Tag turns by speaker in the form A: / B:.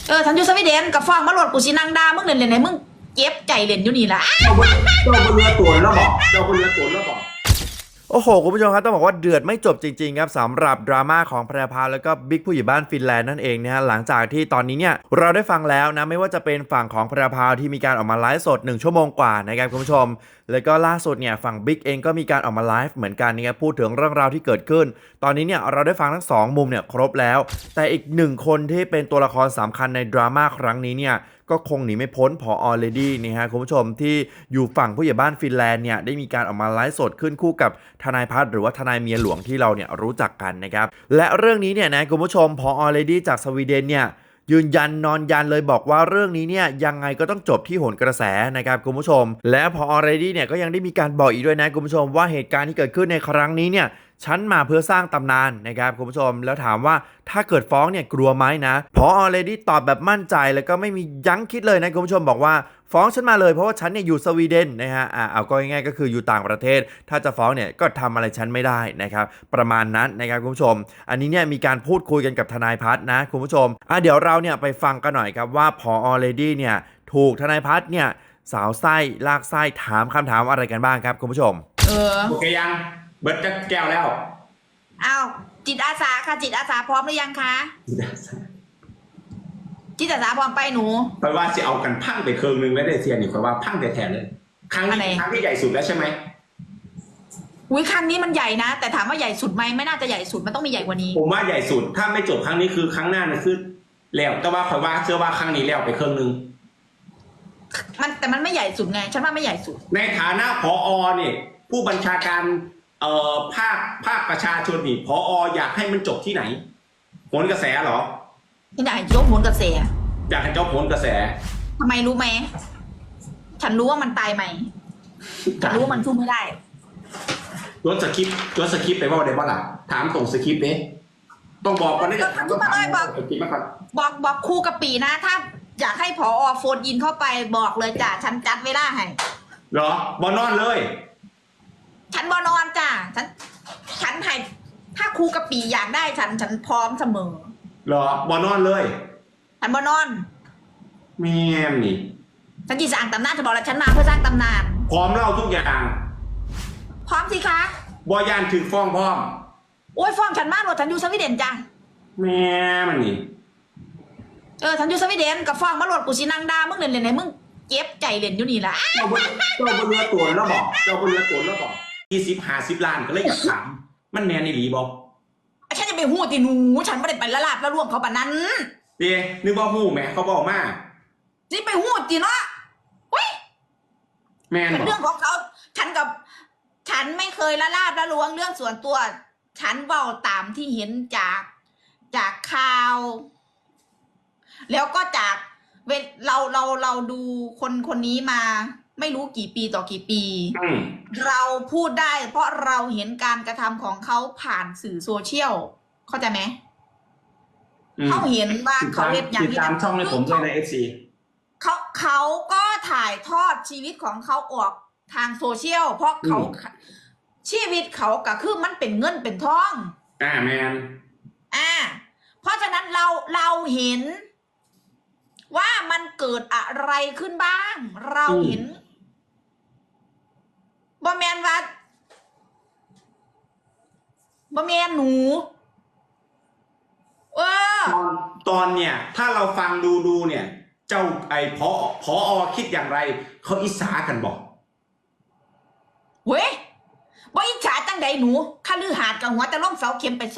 A: ฉันอยู่สวีเดนกับฟองมาโหลดกูสินางดามึงเล่นไหนมึงเจ็บใจเล่นอยู่นี่ล่ะ
B: เจ้าบนเรือตัวแล้วบอกเจ้าบนเรือตัวแล้วบอก
C: โอ้โหคุณผู้ชมครับต้องบอกว่าเดือดไม่จบจริงๆครับสำหรับดราม่าของแพรพาแล้วก็บิ๊กผู้ใหญ่บ้านฟินแลนด์นั่นเองนะฮะหลังจากที่ตอนนี้เนี่ยเราได้ฟังแล้วนะไม่ว่าจะเป็นฝั่งของแพรพาที่มีการออกมาไลฟ์สด1 ชั่วโมงกว่านะครับคุณผู้ชมแล้วก็ล่าสุดเนี่ยฝั่งบิ๊กเองก็มีการออกมาไลฟ์เหมือนกันนะครับพูดถึงเรื่องราวที่เกิดขึ้นตอนนี้เนี่ยเราได้ฟังทั้ง2มุมเนี่ยครบแล้วแต่อีก1คนที่เป็นตัวละครสำคัญในดราม่าครั้งนี้เนี่ยก็คงหนีไม่พ้นผอ.เลดี้นี่ฮะคุณผู้ชมที่อยู่ฝั่งผู้ใหญ่บ้านฟินแลนด์เนี่ยได้มีการออกมาไลฟ์สดขึ้นคู่กับทนายพัฒน์หรือว่าทนายเมียหลวงที่เราเนี่ยรู้จักกันนะครับและเรื่องนี้เนี่ยนะคุณผู้ชมผอ.เลดี้จากสวีเดนเนี่ยยืนยันนอนยันเลยบอกว่าเรื่องนี้เนี่ยยังไงก็ต้องจบที่โหนกระแสนะครับคุณผู้ชมและผอ.เลดี้เนี่ยก็ยังได้มีการบอกอีกด้วยนะคุณผู้ชมว่าเหตุการณ์ที่เกิดขึ้นในครั้งนี้เนี่ยฉันมาเพื่อสร้างตำนานนะครับคุณผู้ชมแล้วถามว่าถ้าเกิดฟ้องเนี่ยกลัวไหมนะผอ.เลดี้ตอบแบบมั่นใจแล้วก็ไม่มียั้งคิดเลยนะคุณผู้ชมบอกว่าฟ้องฉันมาเลยเพราะว่าฉันเนี่ยอยู่สวีเดนนะฮะเอาก็ง่ายๆก็คืออยู่ต่างประเทศถ้าจะฟ้องเนี่ยก็ทำอะไรฉันไม่ได้นะครับประมาณนั้นนะครับคุณผู้ชมอันนี้เนี่ยมีการพูดคุยกันกับทนายพัฒน์นะคุณผู้ชมเดี๋ยวเราเนี่ยไปฟังกันหน่อยครับว่าผอ.เลดี้เนี่ยถูกทนายพัฒน์เนี่ยสาวไส้ลากไส้ถามคำถามอะไรกันบ้างครับคุณผู้ชม
B: โอเคยังเบิร์ดจะแก้วแล้ว
A: อ้าวจิตอาสาค่ะจิตอาสาพร้อมหรือยังคะจิตอาสาพร้อมไปหนู
B: ไปว่าจะเอากันพังไปเครื่องนึงแล้วได้เสียนี่คอยว่าพังแต่แถมเลยครั้งที่ใหญ่สุดแล้วใช่ไหม
A: อุ้ยครั้งนี้มันใหญ่นะแต่ถามว่าใหญ่สุดไหมไม่น่าจะใหญ่สุดมันต้องมีใหญ่กว่านี้
B: ผมว่าใหญ่สุดถ้าไม่จบครั้งนี้คือครั้งหน้านะคือแล้วแต่ว่าคอยว่าเชื่อว่าครั้งนี้แล้วไปเครื่องนึง
A: แต่มันไม่ใหญ่สุดไงฉันว่าไม่ใหญ่สุด
B: ในฐานะผอ.เนี่ยผู้บัญชาการภาคประชาชนนี่ผอ.อยากให้มันจบที่ไหนโหนกระแสเหรอ
A: ที่ไหนยกโหนกระแส
B: อยากให้จบโหนกระแส
A: ทำไมรู้ไหมฉันรู้ว่ามันตายไหมฉันรู้ว่ามันสู้ไม่ได้
B: รถสคริปต์ไปว่าได้บ้างล่ะถามตรงสคริปต์เด้ต้องบอกก่อนนะจะถามต้องถาม
A: บอกครูกับปีนะถ้าอยากให้ผอ.โฟนยินเข้าไปบอกเลยจ้ะฉันจัดเวลาให้
B: เหรอบอนอนเลย
A: ฉันบอนอนจ้ะฉันให้ถ้าครูกับปีอยากได้ฉันพร้อมเสมอ
B: เหรอบอนอนเลย
A: ฉันบอนอน
B: แม่นี่
A: ฉันจีสร้างตำนานจะบอกแล้วฉันมาเพื่อสร้างตำนาน
B: พร้อมเล่าทุกอย่าง
A: พร้อมสิคะ
B: บอยานถึงฟ้องพร้อม
A: โอ้ยฟ้องฉันมากเลยฉันอยู่สวีเดนจ้ะ
B: แม่มันนี่
A: ฉันอยู่สวีเดนกับฟ้องมาโหลดกูสินางดามึงเล่นไหนมึงเจ็บใจเล่นอยู่นี่ล่ะ
B: เจ้าบนเรือตัวแล้วบอกเจ้าบนเรือตัวแล้วบอก20-50 ล้านก็เลยอยากถามมันแมนในหลีบอก
A: ฉันจะไปหู้ตีหนูฉันไม่ได้ไปละลาบละล่วงเขาปะนั้น
B: เดี๋ยวนึกว่าหู้แม่เขาบอกมา
A: นี่ไปหู้ตีเนาะเว้ย
B: แมน
A: เป็นเรื่องของเขาฉันไม่เคยละลาบละล่วงเรื่องส่วนตัวฉันเว้าตามที่เห็นจากข่าวแล้วก็จากเราดูคนนี้มาไม่รู้กี่ปีต่อกี่ปีเราพูดได้เพราะเราเห็นการกระทำของเขาผ่านสื่อโซเชียลเข้าใจไหมเขาเห็นว่าเขาเล่นอย่าง
B: นี้ตามช่องในผมด้วยในFC
A: เขาก็ถ่ายทอดชีวิตของเขาออกทางโซเชียลเพราะเขาชีวิตเขาก็คือมันเป็นเงินเป็นทอง
B: แมน
A: เพราะฉะนั้นเราเห็นว่ามันเกิดอะไรขึ้นบ้างเราเห็นบ่แมนว่าบ่แมนหนู
B: ตอนเนี่ยถ้าเราฟังดูเนี่ยเจ้าไอ้ผอ.คิดอย่างไรเขาอิจฉากันบอก
A: เว้ยบ่อิจฉาจังใดหนูคฤหาสน์กับหัวจะล่มเสาเข็มไป